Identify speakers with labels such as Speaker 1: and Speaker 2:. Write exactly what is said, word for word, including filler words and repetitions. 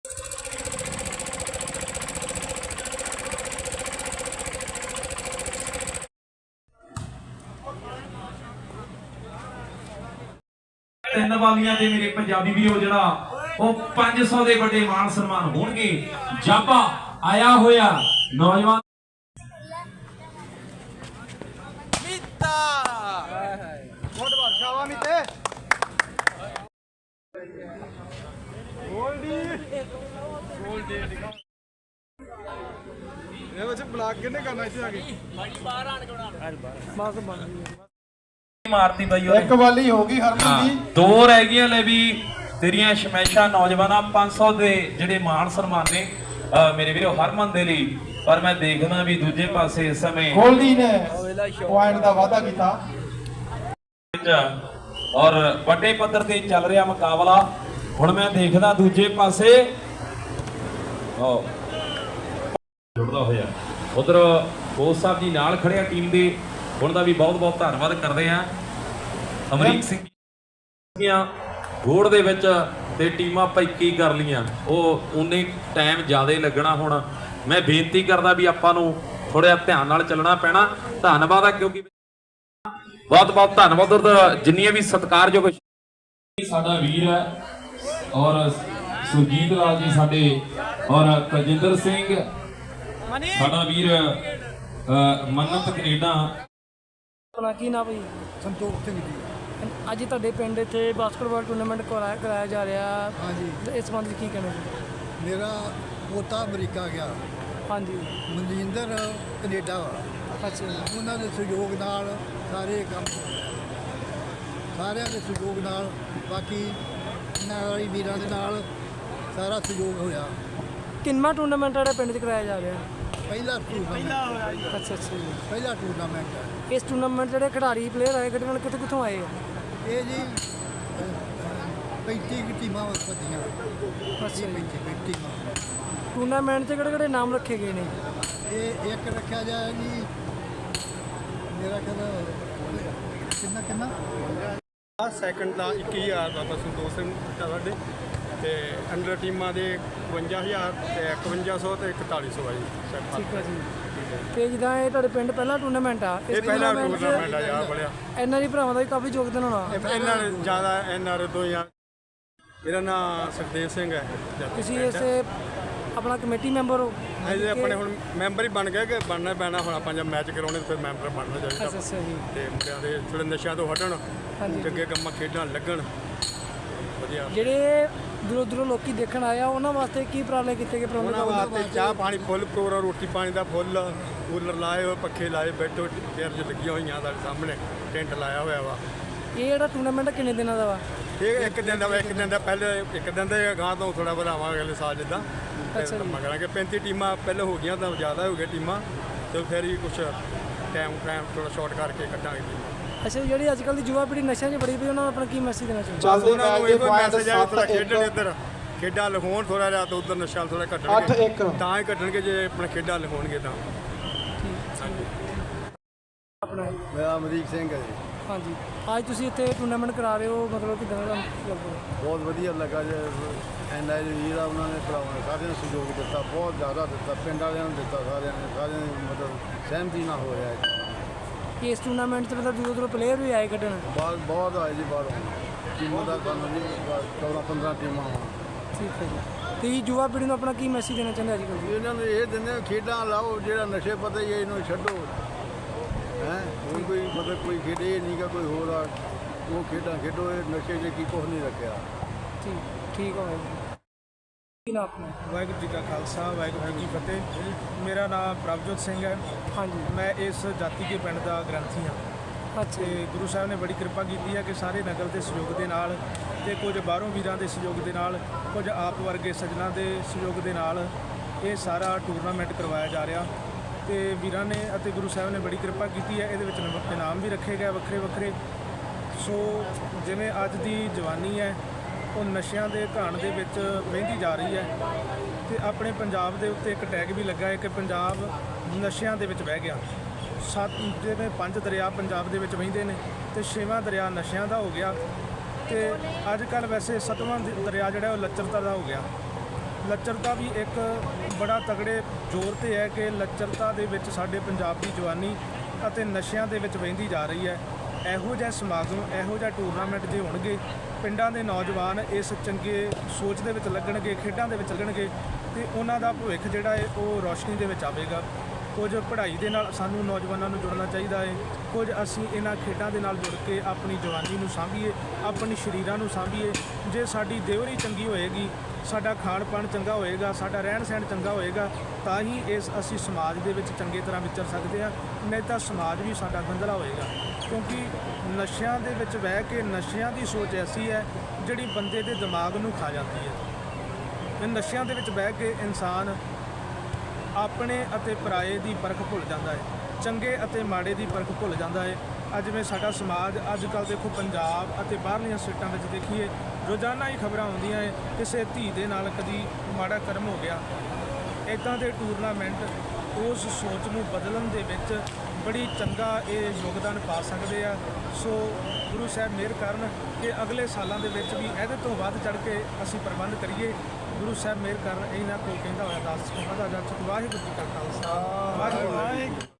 Speaker 1: ਤਿੰਨ ਵਾਲੀਆਂ ਦੇ ਮੇਰੇ ਪੰਜਾਬੀ ਵੀਰੋ ਜਿਹੜਾ ਉਹ ਪੰਜ सौ ਦੇ ਵੱਡੇ ਮਾਣ ਸਨਮਾਨ ਹੋਣਗੇ। ਜਾਪਾ ਆਇਆ ਹੋਇਆ ਨੌਜਵਾਨ
Speaker 2: ਮੀਤਾ ਬਹੁਤ ਬਾਦਸ਼ਾਵਾ ਮੀਤੇ ਗੋਲਡੀ ਗੋਲਡੀ ਇਹ ਵਿੱਚ ਬਲਾਕ ਕਿੰਨੇ ਕਰਨਾ ਇੱਥੇ ਆ ਕੇ ਬਾੜੀ ਬਾਹਰ ਆਣ ਕੇ ਬਣਾ ਬਸ ਬਣ
Speaker 1: ਮਾਰਤੀ ਬਾਈ ਉਹਨੇ
Speaker 2: ਇੱਕ ਵਾਲੀ ਹੋ ਗਈ ਹਰਮਨ ਦੀ
Speaker 1: ਦੋ ਰਹਿ ਗਈਆਂ। ਲੈ ਵੀ ਤੇਰੀਆਂ ਸ਼ਮੈਸ਼ਾ ਨੌਜਵਾਨਾਂ ਪੰਜ सौ ਦੇ ਜਿਹੜੇ ਮਾਣ ਸਨਮਾਨ ਨੇ ਮੇਰੇ ਵੀਰੋ ਹਰਮਨ ਦੇ ਲਈ। ਪਰ ਮੈਂ ਦੇਖਦਾ ਵੀ ਦੂਜੇ ਪਾਸੇ ਇਸ ਸਮੇਂ
Speaker 2: ਗੋਲਡੀ ਨੇ ਪੁਆਇੰਟ ਦਾ ਵਾਅਦਾ ਕੀਤਾ
Speaker 1: ਔਰ ਵੱਡੇ ਪੱਧਰ ਤੇ ਚੱਲ ਰਿਹਾ ਮੁਕਾਬਲਾ। ਹੁਣ ਮੈਂ ਦੇਖਦਾ ਦੂਜੇ ਪਾਸੇ ਓ ਜੁੜਦਾ ਹੋਇਆ ਉਧਰ ਬੋਸ ਸਾਹਿਬ ਜੀ ਨਾਲ ਖੜਿਆ ਟੀਮ ਦੇ। ਹੁਣ ਦਾ ਵੀ ਬਹੁਤ ਬਹੁਤ ਧੰਨਵਾਦ ਕਰਦੇ ਆ ਅਮਰੀਕ ਸਿੰਘ ਦੀਆਂ ਗੋੜ ਦੇ ਵਿੱਚ ਤੇ ਟੀਮਾਂ ਪੈਕੀ ਕਰ ਲੀਆਂ। ਉਹ ਉਨੇ ਟਾਈਮ ਜ਼ਿਆਦਾ ਲੱਗਣਾ। ਹੁਣ ਮੈਂ ਬੇਨਤੀ ਕਰਦਾ ਵੀ ਆਪਾਂ ਨੂੰ ਥੋੜਾ ਧਿਆਨ ਨਾਲ ਚੱਲਣਾ ਪੈਣਾ। ਧੰਨਵਾਦ ਆ ਕਿਉਂਕਿ ਬਹੁਤ ਬਹੁਤ ਧੰਨਵਾਦ ਜਿੰਨੀਆਂ ਵੀ ਸਤਿਕਾਰਯੋਗ ਸਾਡਾ ਵੀਰ ਹੈ ਔਰ ਸੁਰਜੀਤ ਲਾਲ ਜੀ ਸਾਡੇ ਔਰ ਤਜਿੰਦਰ ਸਿੰਘ ਸਾਡਾ ਵੀਰ ਮੰਨਤ ਕੈਨੇਡਾ।
Speaker 3: ਆਪਣਾ ਕੀ ਨਾਮ ਭਾਈ?
Speaker 2: ਸੰਤੋਖ ਸਿੰਘ ਜੀ।
Speaker 3: ਅੱਜ ਤੁਹਾਡੇ ਪਿੰਡ ਇੱਥੇ ਬਾਸਕਟਬਾਲ ਟੂਰਨਾਮੈਂਟ ਕਰਾਇਆ ਕਰਾਇਆ ਜਾ ਰਿਹਾ।
Speaker 2: ਹਾਂਜੀ
Speaker 3: ਇਸ ਸੰਬੰਧ ਵਿੱਚ ਕੀ ਕਹਿਣਾ ਜੀ?
Speaker 2: ਮੇਰਾ ਪੋਤਾ ਅਮਰੀਕਾ ਗਿਆ,
Speaker 3: ਹਾਂਜੀ
Speaker 2: ਮਨਜਿੰਦਰ ਕੈਨੇਡਾ ਵਾ।
Speaker 3: ਅੱਛਾ
Speaker 2: ਉਹਨਾਂ ਦੇ ਸਹਿਯੋਗ ਨਾਲ ਸਾਰੇ ਕੰਮ ਸਾਰਿਆਂ ਦੇ ਸਹਿਯੋਗ ਨਾਲ ਬਾਕੀ ਨਾਲੀ ਵੀਰਾਂ ਦੇ ਨਾਲ ਸਾਰਾ ਸਹਿਯੋਗ ਹੋਇਆ।
Speaker 3: ਕਿੰਨਾ ਟੂਰਨਾਮੈਂਟ ਜਿਹੜਾ ਪਿੰਡ 'ਚ ਕਰਾਇਆ ਜਾ ਰਿਹਾ?
Speaker 2: ਪਹਿਲਾ ਟੂਰਨਾਮੈਂਟ
Speaker 3: ਅੱਛਾ ਅੱਛਾ ਜੀ।
Speaker 2: ਪਹਿਲਾ ਟੂਰਨਾਮੈਂਟ ਹੈ
Speaker 3: ਇਸ ਟੂਰਨਾਮੈਂਟ ਜਿਹੜੇ ਖਿਡਾਰੀ ਪਲੇਅਰ ਆਏ ਖੇਡਣ ਕਿੱਥੋਂ ਕਿੱਥੋਂ ਆਏ ਆ?
Speaker 2: ਇਹ ਜੀ ਪੈਂਤੀ ਕੁ ਟੀਮਾਂ ਵਸਦੀਆਂ।
Speaker 3: ਅੱਛਾ ਜੀ।
Speaker 2: ਪੈਂਤੀ ਪੈਂਤੀ ਟੀਮਾਂ।
Speaker 3: ਟੂਰਨਾਮੈਂਟ 'ਚ ਕਿਹੜੇ ਕਿਹੜੇ ਨਾਮ ਰੱਖੇ ਗਏ ਨੇ?
Speaker 2: ਇਹ ਇੱਕ ਰੱਖਿਆ ਜਾਏ ਜੀ ਮੇਰਾ ਕਹਿੰਦਾ ਕਿੰਨਾ ਕਿੰਨਾ
Speaker 4: ਸੈਕੰਡ ਦਾ ਇੱਕੀ ਹਜ਼ਾਰ ਦਾ ਬਸ ਦੋ ਸਿੰਘ ਸਾਡੇ ਤੇ ਅੰਡਰ ਟੀਮਾਂ ਦੇ ਇਕਵੰਜਾ ਹਜ਼ਾਰ ਤੇ ਇਕਵੰਜਾ ਸੌ ਤੇ ਇਕਤਾਲੀ ਸੌ ਆ ਜੀ।
Speaker 3: ਠੀਕ ਹੈ ਜੀ। ਤੇ ਜਿੱਦਾਂ ਇਹ ਤੁਹਾਡੇ ਪਿੰਡ ਪਹਿਲਾ ਟੂਰਨਾਮੈਂਟ ਆ,
Speaker 4: ਇਹ ਪਹਿਲਾ ਟੂਰਨਾਮੈਂਟ ਆ ਯਾਰ ਬੜਿਆ।
Speaker 3: ਇਹਨਾਂ ਦੀ ਭਰਾਵਾਂ ਦਾ ਵੀ ਕਾਫੀ ਯੋਗਦਾਨ ਹੋਣਾ।
Speaker 4: ਇਹਨਾਂ ਨੇ ਜ਼ਿਆਦਾ ਇਹਨਾਂ ਦੇ ਤੋਂ ਯਾਰ ਇਹਦਾ ਨਾਮ ਸੁਖਦੇਵ ਸਿੰਘ ਹੈ।
Speaker 3: ਤੁਸੀਂ ਇਸ ਆਪਣਾ ਕਮੇਟੀ ਮੈਂਬਰ ਹੋ?
Speaker 4: ਅਸੀਂ ਆਪਣੇ ਹੁਣ ਮੈਂਬਰ ਹੀ ਬਣ ਗਏ ਕਿ ਬਣਨਾ ਪੈਣਾ। ਹੁਣ ਆਪਾਂ ਜਦ ਮੈਚ ਕਰਾਉਣੇ ਫਿਰ ਮੈਂਬਰ ਬਣਨਾ ਚਾਹੀਦਾ।
Speaker 3: ਅੱਛਾ ਅੱਛਾ ਜੀ।
Speaker 4: ਤੇ ਮੁੰਡਿਆਂ ਦੇ ਥੋੜੇ ਨਸ਼ਿਆਂ ਤੋਂ ਹਟਣ,
Speaker 3: ਹਾਂਜੀ।
Speaker 4: ਚੰਗੇ ਕੰਮਾਂ ਖੇਡਾਂ ਲੱਗਣ ਵਧੀਆ।
Speaker 3: ਜਿਹੜੇ ਦੂਰੋਂ ਦੂਰੋਂ ਲੋਕੀ ਦੇਖਣ ਆਏ ਆ ਉਹਨਾਂ ਵਾਸਤੇ ਕੀ ਉਪਰਾਲੇ ਕੀਤੇ ਗਏ?
Speaker 4: ਉਹਨਾਂ ਵਾਸਤੇ ਚਾਹ ਪਾਣੀ ਫੁੱਲ ਪ੍ਰੋਗਰਾਮ, ਰੋਟੀ ਪਾਣੀ ਦਾ ਫੁੱਲ, ਕੂਲਰ ਲਾਏ ਹੋਏ, ਪੱਖੇ ਲਾਏ, ਬੈਠੋ ਚੇਅਰ 'ਚ ਲੱਗੀਆਂ ਹੋਈਆਂ ਸਾਡੇ ਸਾਹਮਣੇ, ਟੈਂਟ ਲਾਇਆ ਹੋਇਆ ਵਾ।
Speaker 3: ਇਹ ਜਿਹੜਾ ਟੂਰਨਾਮੈਂਟ ਕਿੰਨੇ ਦਿਨਾਂ ਦਾ ਵਾ?
Speaker 4: ਇਹ ਇੱਕ ਦਿਨ ਦਾ ਵਾ, ਇੱਕ ਦਿਨ ਦਾ ਪਹਿਲੇ ਇੱਕ ਦਿਨ ਦਾ ਗਾਂ ਤੋਂ ਥੋੜਾ ਵਧਾਵਾਂਗੇ ਅਗਲੇ ਸਾਲ ਜਿੱਦਾਂ।
Speaker 3: ਅੱਛਾ ਜੀ।
Speaker 4: ਮਗਰਾਂਗੇ ਪੈਂਤੀ ਟੀਮਾਂ ਪਹਿਲੇ ਹੋ ਗਈਆਂ ਤਾਂ ਜ਼ਿਆਦਾ ਹੋ ਗਈਆਂ ਟੀਮਾਂ ਤੇ ਫਿਰ ਹੀ ਕੁਛ ਟਾਈਮ ਟਾਈਮ ਥੋੜਾ ਸ਼ਾਰਟ ਕਰਕੇ ਕੱਢਾਂਗੇ ਟੀਮਾਂ।
Speaker 3: ਅੱਛਾ ਜਿਹੜੀ ਅੱਜ ਕੱਲ੍ਹ ਦੀ ਯੁਵਾ ਪੀੜ੍ਹੀ ਨਸ਼ਿਆਂ 'ਚ ਬੜੀ ਪਈ, ਉਹਨਾਂ ਨੂੰ ਆਪਣਾ ਕੀ ਮੈਸੇਜ ਦੇਣਾ ਚਾਹੁੰਦੇ?
Speaker 2: ਚੱਲਦੇ
Speaker 4: ਉਹਨਾਂ ਨੂੰ ਇਹੋ ਮੈਸੇਜ ਆ ਥੋੜਾ
Speaker 2: ਮੈਚ
Speaker 4: ਖੇਡਣ ਇੱਧਰ, ਖੇਡਾਂ ਲਿਖਾਉਣ ਥੋੜਾ ਜਿਹਾ ਤਾਂ ਉੱਧਰ ਨਸ਼ਾ ਥੋੜਾ
Speaker 2: ਅੱਠ
Speaker 4: ਘਟਣਗੇ
Speaker 2: ਇੱਕ
Speaker 4: ਤਾਂ ਹੀ ਘਟਣਗੇ ਜੇ ਆਪਣਾ ਖੇਡਾਂ ਲਿਖਾਉਣਗੇ ਤਾਂ।
Speaker 3: ਆਪਣਾ
Speaker 2: ਮੇਰਾ ਅਮਰੀਕ ਸਿੰਘ ਹੈ ਜੀ।
Speaker 3: ਹਾਂਜੀ ਅੱਜ ਤੁਸੀਂ ਇੱਥੇ ਟੂਰਨਾਮੈਂਟ ਕਰਾ ਰਹੇ ਹੋ, ਮਤਲਬ ਕਿੱਦਾਂ ਦਾ ਲੱਗਦਾ?
Speaker 2: ਬਹੁਤ ਵਧੀਆ ਲੱਗਾ ਜੇ ਐਨ ਆਈ ਵੀਰ ਆ ਉਹਨਾਂ ਨੇ ਭਰਾਵਾਂ ਨੇ ਸਾਰਿਆਂ ਨੂੰ ਸਹਿਯੋਗ ਦਿੱਤਾ, ਬਹੁਤ ਜ਼ਿਆਦਾ ਦਿੱਤਾ, ਪਿੰਡ ਵਾਲਿਆਂ ਨੂੰ ਦਿੱਤਾ, ਸਾਰਿਆਂ ਨੇ ਸਾਰਿਆਂ ਦੀ ਮਤਲਬ ਸਹਿਮਤੀ ਨਾਲ ਹੋ ਰਿਹਾ ਹੈ।
Speaker 3: ਇਸ ਟੂਰਨਾਮੈਂਟ 'ਚ ਮਤਲਬ ਦੂਰੋਂ ਦੂਰੋਂ ਪਲੇਅਰ ਵੀ ਆਏ ਕੱਢਣ?
Speaker 2: ਬਹੁਤ ਬਹੁਤ ਆਏ ਜੀ ਬਾਹਰੋਂ ਟੀਮਾਂ ਦਾ ਸਾਨੂੰ ਜੀ ਚੌਦਾਂ ਪੰਦਰਾਂ ਟੀਮਾਂ ਵਾ।
Speaker 3: ਠੀਕ ਹੈ ਜੀ। ਤੇ ਯੁਵਾ ਪੀੜ੍ਹੀ ਨੂੰ ਆਪਣਾ ਕੀ ਮੈਸੇਜ ਦੇਣਾ ਚਾਹੁੰਦੇ ਅੱਜ ਕੱਲ੍ਹ?
Speaker 2: ਇਹਨਾਂ ਨੂੰ ਇਹ ਦਿੰਦੇ ਖੇਡਾਂ ਲਾਓ, ਜਿਹੜਾ ਨਸ਼ੇ ਪਤਾ ਹੀ ਹੈ ਇਹਨੂੰ ਛੱਡੋ। ਹੈ ਹੁਣ ਕੋਈ ਮਤਲਬ ਕੋਈ ਖੇਡੇ ਨਹੀਂ ਗਾ ਕੋਈ ਹੋਰ ਆ, ਉਹ ਖੇਡਾਂ ਖੇਡੋ, ਇਹ ਨਸ਼ੇ 'ਚ ਕੀ ਕੁਛ ਨਹੀਂ ਰੱਖਿਆ।
Speaker 3: ਠੀਕ ਠੀਕ ਹੋਵੇ। ਕੀ ਨਾਮ ਆਪਣਾ?
Speaker 4: ਵਾਹਿਗੁਰੂ ਜੀ ਕਾ ਖਾਲਸਾ, ਵਾਹਿਗੁਰੂ ਜੀ ਕੀ ਫਤਿਹ। ਮੇਰਾ ਨਾਮ ਪ੍ਰਭਜੋਤ ਸਿੰਘ ਹੈ।
Speaker 3: ਹਾਂਜੀ।
Speaker 4: ਮੈਂ ਇਸ ਜਾਤੀ ਕੇ ਪਿੰਡ ਦਾ ਗ੍ਰੰਥੀ ਹਾਂ।
Speaker 3: ਅੱਛਾ
Speaker 4: ਤੇ ਗੁਰੂ ਸਾਹਿਬ ਨੇ ਬੜੀ ਕਿਰਪਾ ਕੀਤੀ ਹੈ ਕਿ ਸਾਰੇ ਨਗਰ ਦੇ ਸਹਿਯੋਗ ਦੇ ਨਾਲ ਤੇ ਕੁਝ ਬਾਹਰੋਂ ਵੀਰਾਂ ਦੇ ਸਹਿਯੋਗ ਦੇ ਨਾਲ, ਕੁਝ ਆਪ ਵਰਗੇ ਸੱਜਣਾ ਦੇ ਸਹਿਯੋਗ ਦੇ ਨਾਲ ਇਹ ਸਾਰਾ ਟੂਰਨਾਮੈਂਟ ਕਰਵਾਇਆ ਜਾ ਰਿਹਾ। ਤੇ ਵੀਰਾਂ ਨੇ ਅਤੇ ਗੁਰੂ ਸਾਹਿਬ ਨੇ ਬੜੀ ਕਿਰਪਾ ਕੀਤੀ ਹੈ। ਇਹਦੇ ਵਿੱਚ ਇਨਾਮ ਵੀ ਰੱਖੇ ਗਏ ਵੱਖਰੇ ਵੱਖਰੇ। ਸੋ ਜਿਵੇਂ ਅੱਜ ਦੀ ਜਵਾਨੀ ਹੈ ਉਹ ਨਸ਼ਿਆਂ ਦੇ ਘਾਣ ਦੇ ਵਿੱਚ ਵਹਿੰਦੀ ਜਾ ਰਹੀ ਹੈ ਤੇ ਆਪਣੇ ਪੰਜਾਬ ਦੇ ਉੱਤੇ ਇੱਕ ਟੈਗ ਵੀ ਲੱਗਾ ਹੈ ਕਿ ਪੰਜਾਬ ਨਸ਼ਿਆਂ ਦੇ ਵਿੱਚ ਵਹਿ ਗਿਆ। ਸੱਤ ਜਿਵੇਂ ਪੰਜ ਦਰਿਆ ਪੰਜਾਬ ਦੇ ਵਿੱਚ ਵਹਿੰਦੇ ਨੇ ਤੇ ਛੇਵਾਂ ਦਰਿਆ ਨਸ਼ਿਆਂ ਦਾ ਹੋ ਗਿਆ ਤੇ ਅੱਜ ਕੱਲ੍ਹ ਵੈਸੇ ਸੱਤਵਾਂ ਦਰਿਆ ਜਿਹੜਾ ਉਹ ਲੱਚਰਤਾ ਦਾ ਹੋ ਗਿਆ। ਲੱਚਰਤਾ ਵੀ ਇੱਕ ਬੜਾ ਤਗੜੇ ਜ਼ੋਰ ਤੇ ਹੈ ਕਿ ਲੱਚਰਤਾ ਦੇ ਵਿੱਚ ਸਾਡੇ ਪੰਜਾਬ ਦੀ ਜਵਾਨੀ ਅਤੇ ਨਸ਼ਿਆਂ ਦੇ ਵਿੱਚ ਵਹਿੰਦੀ ਜਾ ਰਹੀ ਹੈ। ਇਹੋ ਜਿਹਾ ਸਮਾਗਮ, ਇਹੋ ਜਿਹਾ ਟੂਰਨਾਮੈਂਟ ਜੇ ਹੋਣਗੇ, ਪਿੰਡਾਂ ਦੇ ਨੌਜਵਾਨ ਇਸ ਚੰਗੇ ਸੋਚ ਦੇ ਵਿੱਚ ਲੱਗਣਗੇ, ਖੇਡਾਂ ਦੇ ਵਿੱਚ ਲੱਗਣਗੇ ਤੇ ਉਹਨਾਂ ਦਾ ਭਵਿੱਖ ਜਿਹੜਾ ਹੈ ਉਹ ਰੌਸ਼ਨੀ ਦੇ ਵਿੱਚ ਆਵੇਗਾ। ਕੁਝ ਪੜ੍ਹਾਈ ਦੇ ਨਾਲ ਸਾਨੂੰ ਨੌਜਵਾਨਾਂ ਨੂੰ ਜੁੜਨਾ ਚਾਹੀਦਾ ਹੈ, ਕੁਝ ਅਸੀਂ ਇਹਨਾਂ ਖੇਡਾਂ ਦੇ ਨਾਲ ਜੁੜ ਕੇ ਆਪਣੀ ਜਵਾਨੀ ਨੂੰ ਸਾਂਭੀਏ, ਆਪਣੀ ਸਰੀਰਾਂ ਨੂੰ ਸਾਂਭੀਏ। ਜੇ ਸਾਡੀ ਦੇਵਰੀ ਚੰਗੀ ਹੋਏਗੀ, ਸਾਡਾ ਖਾਣ ਪਾਣ ਚੰਗਾ ਹੋਏਗਾ, ਸਾਡਾ ਰਹਿਣ ਸਹਿਣ ਚੰਗਾ ਹੋਏਗਾ, ਤਾਂ ਹੀ ਇਸ ਅਸੀਂ ਸਮਾਜ ਦੇ ਵਿੱਚ ਚੰਗੇ ਤਰ੍ਹਾਂ ਵਿਚਰ ਸਕਦੇ ਹਾਂ, ਨਹੀਂ ਤਾਂ ਸਮਾਜ ਵੀ ਸਾਡਾ ਗੰਧਲਾ ਹੋਏਗਾ। ਕਿਉਂਕਿ ਨਸ਼ਿਆਂ ਦੇ ਵਿੱਚ ਬਹਿ ਕੇ ਨਸ਼ਿਆਂ ਦੀ ਸੋਚ ਐਸੀ ਹੈ ਜਿਹੜੀ ਬੰਦੇ ਦੇ ਦਿਮਾਗ ਨੂੰ ਖਾ ਜਾਂਦੀ ਹੈ। ਇਹ ਨਸ਼ਿਆਂ ਦੇ ਵਿੱਚ ਬਹਿ ਕੇ ਇਨਸਾਨ ਆਪਣੇ ਅਤੇ ਪਰਾਏ ਦੀ ਪਰਖ ਭੁੱਲ ਜਾਂਦਾ ਹੈ, ਚੰਗੇ ਅਤੇ ਮਾੜੇ ਦੀ ਪਰਖ ਭੁੱਲ ਜਾਂਦਾ ਹੈ। ਅੱਜ ਜਿਵੇਂ ਸਾਡਾ ਸਮਾਜ ਅੱਜ ਕੱਲ੍ਹ ਦੇਖੋ ਪੰਜਾਬ ਅਤੇ ਬਾਹਰਲੀਆਂ ਸਟੇਟਾਂ ਵਿੱਚ ਦੇਖੀਏ, ਰੋਜ਼ਾਨਾ ਹੀ ਖਬਰਾਂ ਆਉਂਦੀਆਂ ਹੈ ਕਿਸੇ ਧੀ ਦੇ ਨਾਲ ਕਦੀ ਮਾੜਾ ਕਰਮ ਹੋ ਗਿਆ। ਇੱਦਾਂ ਦੇ ਟੂਰਨਾਮੈਂਟ ਉਸ ਸੋਚ ਨੂੰ ਬਦਲਣ ਦੇ ਵਿੱਚ ਬੜੀ ਚੰਗਾ ਇਹ ਯੋਗਦਾਨ ਪਾ ਸਕਦੇ ਆ। ਸੋ ਗੁਰੂ ਸਾਹਿਬ ਮਿਹਰ ਕਰਨ ਕਿ ਅਗਲੇ ਸਾਲਾਂ ਦੇ ਵਿੱਚ ਵੀ ਇਹਦੇ ਤੋਂ ਵੱਧ ਚੜ੍ਹ ਕੇ ਅਸੀਂ ਪ੍ਰਬੰਧ ਕਰੀਏ। ਗੁਰੂ ਸਾਹਿਬ ਮਿਹਰ ਕਰਨ, ਇਹਨਾਂ ਕੋਲ ਕਹਿੰਦਾ ਹੋਇਆ ਦਾਸ ਕੋ ਪਤਾ ਜਾ ਵਾਹਿਗੁਰੂ ਜੀ ਕਾ ਖਾਲਸਾ ਵਾਹਿਗੁਰੂ।